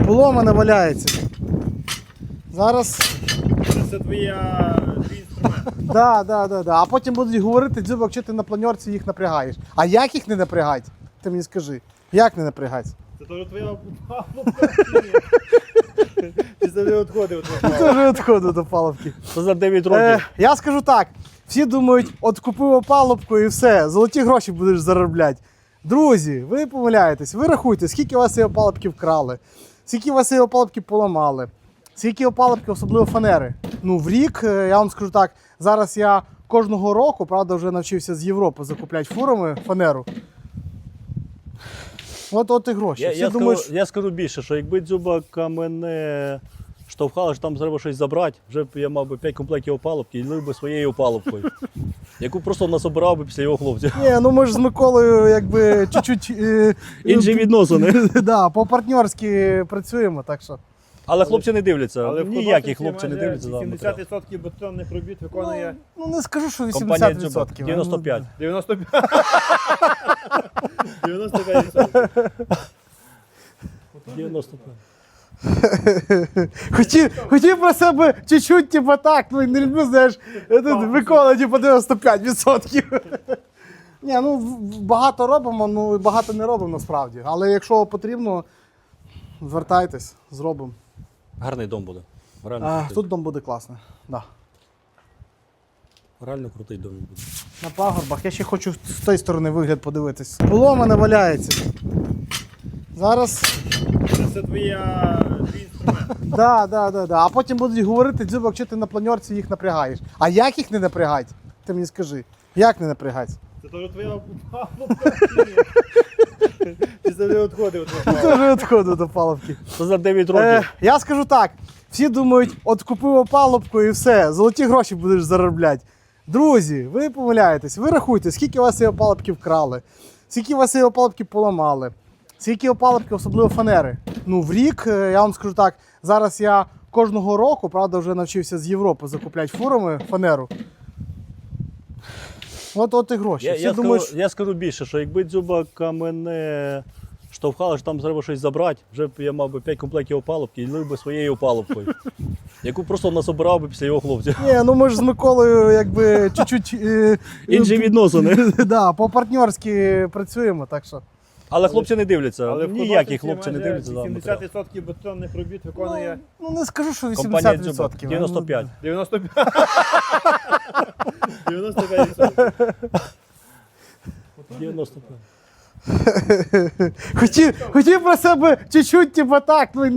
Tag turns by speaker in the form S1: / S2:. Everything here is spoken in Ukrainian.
S1: поломане валяється. Зараз.
S2: Це твій інструмент.
S1: Да. А потім будуть говорити, Дзюбок, що ти на планерці їх напрягаєш. А як їх не напрягати? Ти мені скажи. Як не напрягати?
S2: Це теж твоя палубка. Ти завжди відходив.
S1: Дуже відходу до палубки.
S3: Це за 9 років.
S1: Я скажу так, всі думають, от купив опалубку і все, золоті гроші будеш заробляти. Друзі, ви помиляєтесь, ви рахуйте, скільки у вас цієї опалубки вкрали, скільки у вас цієї опалубки поламали, скільки опалубки, особливо фанери. Ну, в рік, я вам скажу так, зараз я кожного року, правда, вже навчився з Європи закупляти фурами фанеру. От і гроші.
S3: Я скажу більше, що якби Дзюбака мене штовхали, що там треба щось забрати, вже б я мав би 5 комплектів опалубки і лив би своєю опалубкою, яку просто насобирав би після його хлопців.
S1: Ні, ну ми ж з Миколою якби чуть-чуть...
S3: Інші відносини.
S1: Да, по-партнерськи працюємо, так що.
S3: Але хлопці не дивляться,
S2: Але в
S3: ніякі
S2: художниці
S3: хлопці не
S2: майже
S3: дивляться. за матеріал.
S2: 70% бетонних робіт виконує
S1: Ну не скажу, що 80%.
S3: Компанія Дзюбак, 95.
S2: 95. 95%.
S3: 95.
S1: Хотів про себе чуть-чуть, типу так, ну не люблю, знаєш, Микола, типу 95%. Ні, ну багато робимо, ну і багато не робимо насправді. Але якщо потрібно, звертайтесь, зробимо.
S3: Гарний дом буде. Реально крутий.
S1: Тут дом буде класний. Да.
S3: Реально крутий дом буде.
S1: На пагорбах. Я ще хочу з тієї сторони вигляд подивитись. Поломане валяється. Зараз.
S2: Це твій інструмент.
S1: Да. А потім будуть говорити, Дзюбок, що ти на планерці їх напрягаєш. А як їх не напрягати? Ти мені скажи. Як не напрягати?
S2: Це теж твоя палубка. Ти завжди відходив.
S1: Дуже відходу до палубки.
S3: Це за 9 років.
S1: Я скажу так, всі думають, от купив опалубку і все, золоті гроші будеш заробляти. Друзі, ви помиляєтесь, ви рахуйте, скільки у вас цієї опалубки вкрали, скільки у вас цієї опалубки поламали, скільки опалубки, особливо фанери. Ну, в рік, я вам скажу так, зараз я кожного року, правда, вже навчився з Європи закупляти фурами фанеру. От і гроші.
S3: Я скажу більше, що якби Дзюбака мене штовхали, що там треба щось забрати, вже б я мав би 5 комплектів опалубки і лив би своєю опалубкою, яку просто насобирав би після його хлопців.
S1: Ні, ну ми ж з Миколою якби чуть-чуть...
S3: Інші відносини.
S1: Да, по-партнерськи працюємо, так що.
S3: Але хлопці не дивляться,
S2: Але в
S3: ніякі
S2: художниці
S3: хлопці не
S2: майже
S3: дивляться. за матеріал.
S2: 70% бетонних робіт виконує
S1: Ну не скажу, що 80%.
S3: Компанія Дзюбак, 95.
S2: 95. 95%.
S3: 95.
S1: Хотів про себе чуть-чуть, типу так, ну